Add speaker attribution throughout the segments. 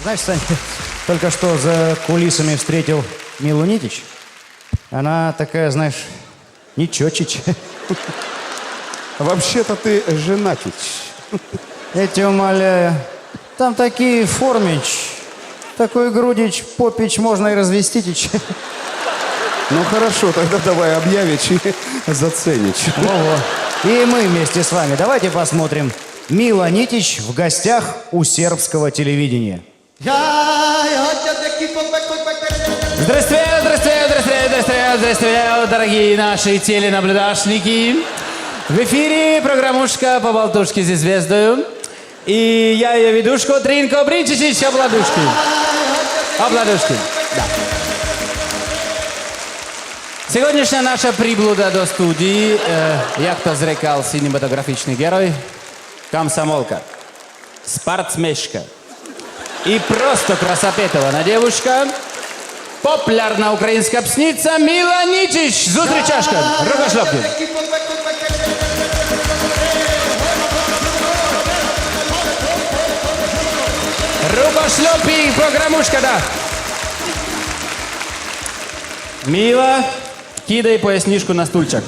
Speaker 1: Знаешь, Сань, только что за кулисами встретил Милу Нитич. Она такая, знаешь, ничочич.
Speaker 2: Вообще-то ты женатич.
Speaker 1: Я тебя умоляю. Там такие формич, такой грудич, попич, можно и развеститич.
Speaker 2: Ну хорошо, тогда давай объявич и заценич.
Speaker 1: Во-во. И мы вместе с вами. Давайте посмотрим. Мила Нитич в гостях у сербского телевидения.
Speaker 3: Здравствуйте, здравствуйте, здравствуйте, здравствуйте, здравствуйте, дорогие наши теленаблюдашники. В эфире программушка по болтушке со звездою. И я ее ведушка Тринко Бринчичич Обладушки. Обладушки, да. Сегодняшняя наша приблуда до студии, як то зрекал синематографичный герой, комсомолка, спортсмешка и просто красопетована девушка, популярна українська псниця Мила Нитич. Зустрічашка, рукошлепки. Рукошлепки, программушка, да. Мила, кидай пояснишку на стульчик.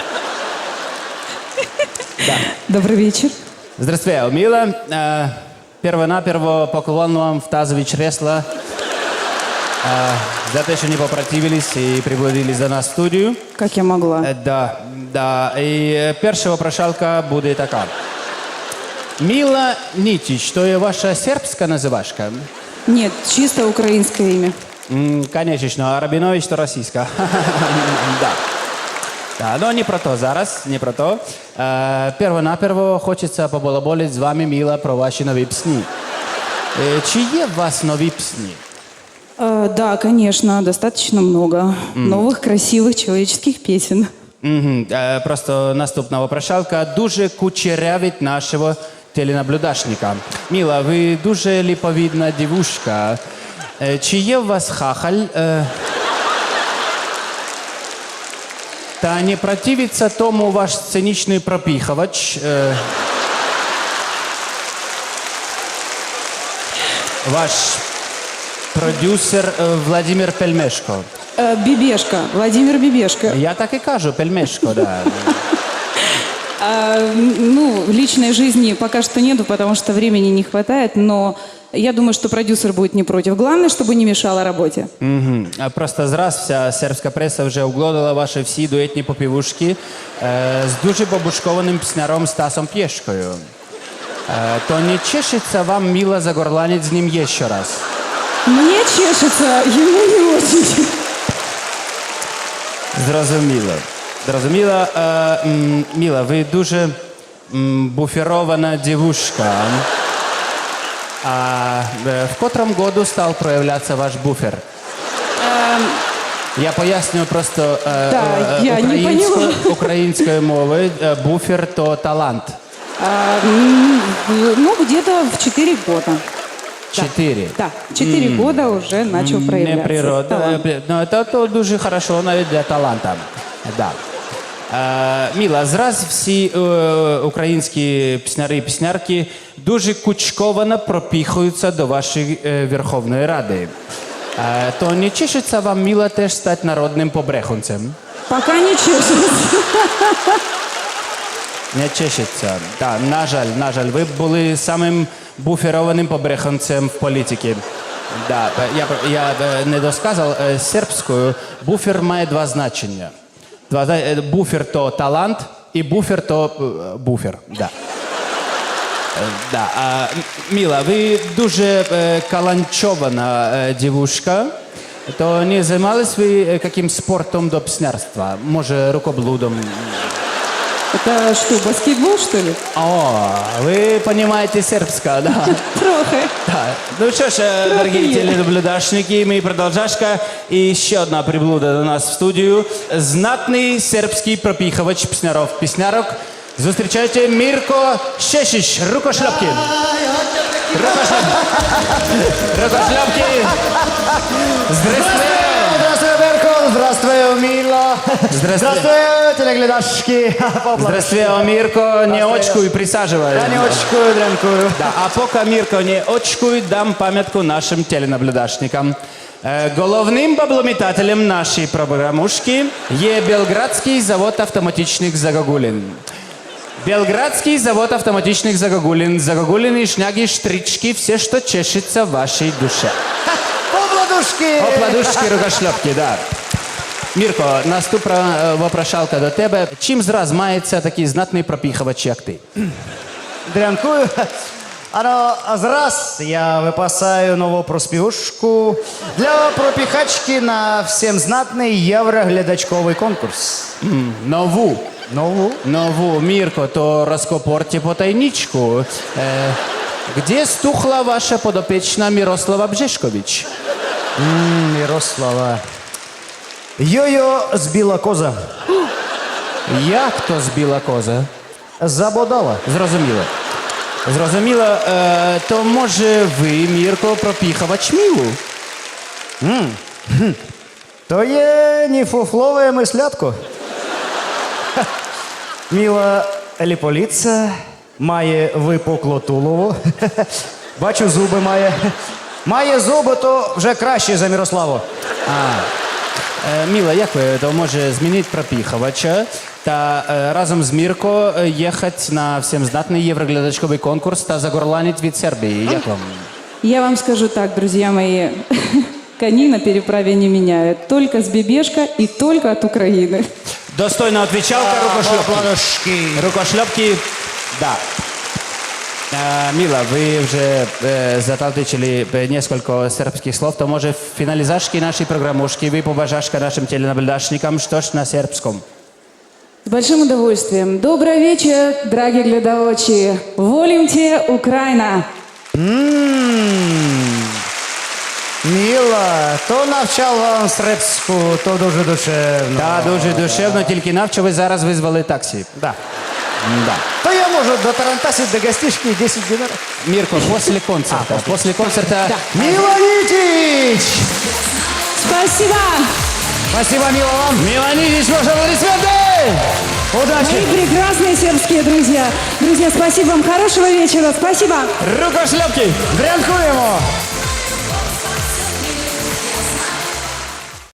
Speaker 3: Да.
Speaker 4: Добрый вечер.
Speaker 3: Здравствуйте, Мила. Перво-наперво поклон вам в тазове чресла за то, что не попротивились и приблудились до нас в студию.
Speaker 4: Как я могла?
Speaker 3: Да, да. И перша вопрошалка буде така. Мила Нитич, то є ваша сербська називашка?
Speaker 4: Нет, чисто украинское имя.
Speaker 3: Конечно, а Рабинович то російська. Да. Да, но не про то зараз, не про то. Перво-наперво хочеться побалаболити з вами, Мила, про ваші нові пісні. Чи є у вас нові пісні?
Speaker 4: Да, конечно, достаточно много новых, красивых человеческих песен.
Speaker 3: Просто наступна вопрошалка дуже кучерявить нашого теленаблюдашника. Мила, ви дуже ліповідна дівушка. Чи є у вас хахаль? Та не противиться тому ваш сценічний пропіхувач? Ваш продюсер Владимир Пельмешко.
Speaker 4: Бибешко, Владимир Бибешко.
Speaker 3: Я так і кажу, Пельмешко, да.
Speaker 4: Ну, личной жизни пока что нету, потому что времени не хватает, но я думаю, что продюсер будет не против. Главное, чтобы не мешало работе.
Speaker 3: Просто зраз вся сербська преса вже оглодала ваші всі дуетні попівушки з дуже побушкованим пісняром Стасом Пєшкою. То не чешеться вам, Мила, загорланить з ним ще раз?
Speaker 4: Мне чешется, ему не очень.
Speaker 3: Зрозуміло. Зрозуміло. Мила, ви дуже буферована дівушка. А в котром году стал проявляться ваш буфер? Я поясню просто
Speaker 4: я не поняла.
Speaker 3: українською мовою. Буфер – то талант.
Speaker 4: Ну, где-то в 4 года.
Speaker 3: 4?
Speaker 4: Да, 4 года уже начал проявляться.
Speaker 3: Не природа.
Speaker 4: талант.
Speaker 3: Ну, це дуже хорошо навіть для таланта. Да. Міла, зраз всі українські пісняри і піснярки дуже кучковано пропіхуються до вашої Верховної Ради. То не чешеться вам, Міла, теж стати народним побрехунцем?
Speaker 4: Пока не чешется.
Speaker 3: Не чешеться. Так, на жаль, ви б були самим буферованим побрехунцем в політиці. Да, я не досказав, сербською буфер має два значення. Буфер – то талант, і буфер – то буфер. Да. Да. Міла, ви дуже каланчована дівушка. То не займались ви яким спортом до піснярства? Може, рукоблудом?
Speaker 4: Это что, баскетбол, что ли?
Speaker 3: О, вы понимаете сербское, да?
Speaker 4: Трохи.
Speaker 3: Да. Ну что ж, дорогие теленаблюдашники, мы продолжашка. И еще одна приблуда до нас в студию. Знатный сербский пропиховач песняров. Зустрічайте Мирко Шешич. Рукошлепки. Рукошлепки. Здравствуйте.
Speaker 1: Здравствуй, Беркул! здравствуй, Мила. Здравствуй, телеглядашки.
Speaker 3: Здравствуй, Мирко, не очкуй, присаживай.
Speaker 1: Я не очкую, дрянкую.
Speaker 3: Да, а пока Мирко не очкуй, дам памятку нашим теленаблюдашникам. Головним баблометателем нашей программушки є Белградский завод автоматичных Загогулин. Белградский завод автоматичных Загогулин. Загогулины, шняги, штрички, все, что чешется в вашей душе.
Speaker 1: Обладушки.
Speaker 3: Опладушки, рукошлепки, да. Мірко, наступна вопрошалка до тебе. Чим зраз мається такий знатний пропіхувач, як ти?
Speaker 1: Дрянкую. Зараз я випасаю нову проспівушку для пропіхачки на всім знатний євроглядачковий конкурс.
Speaker 3: Нову.
Speaker 1: Нову?
Speaker 3: Нову, Мірко, то розкопорте потайничку. Где стухла ваша подопечна Мирослава Бжешкович?
Speaker 1: Мирослава. Йо-йо збила коза.
Speaker 3: Як то збила коза?
Speaker 1: Забодала.
Speaker 3: Зрозуміло. Зрозуміло, то може ви, Мірко, пропіхувач Мілу?
Speaker 1: То є ніфуфлове мислятко. Міла ліполіця, має випукло тулово. Бачу, зуби має. Має зуби, то вже краще за Мирославу.
Speaker 3: Міла, як ви, то може змінити пропіхувача та разом з Мірко їхати на всім здатний євроглядачковий конкурс та загорланити від Сербії. Як вам?
Speaker 4: Я вам скажу так, друзья мои. Коней на переправе не меняют. Только с Бебешка и только от Украины.
Speaker 3: Достойно отвечалка, рукошлепки. Рукошлепки, да. Мила, вы уже заталдычили несколько сербских слов, то может в финализашке нашей программушки вы побажашка нашим теленаблюдашникам, что ж на сербском?
Speaker 4: С большим удовольствием. Добрый вечер, дорогие глядачи. Волимте, Украина.
Speaker 1: Міла, то навчав вам сербську, то дуже душевно.
Speaker 3: Та дуже душевно, тільки навчо ви зараз визвали таксі.
Speaker 1: Да.
Speaker 3: Да.
Speaker 1: То я можу до Тарантасі, до гостишки 10 динарів.
Speaker 3: Мирко, после концерта. После концерта.
Speaker 1: Мила Нитич!
Speaker 4: Спасибо.
Speaker 1: Спасибо, Мила, вам.
Speaker 3: Мила Нитич, ваши аплодисменты!
Speaker 1: Удачи!
Speaker 4: Мои прекрасные сербские друзья. Друзья, спасибо вам. Хорошего вечера. Спасибо.
Speaker 3: Рукошлепки!
Speaker 1: Дрянкуємо!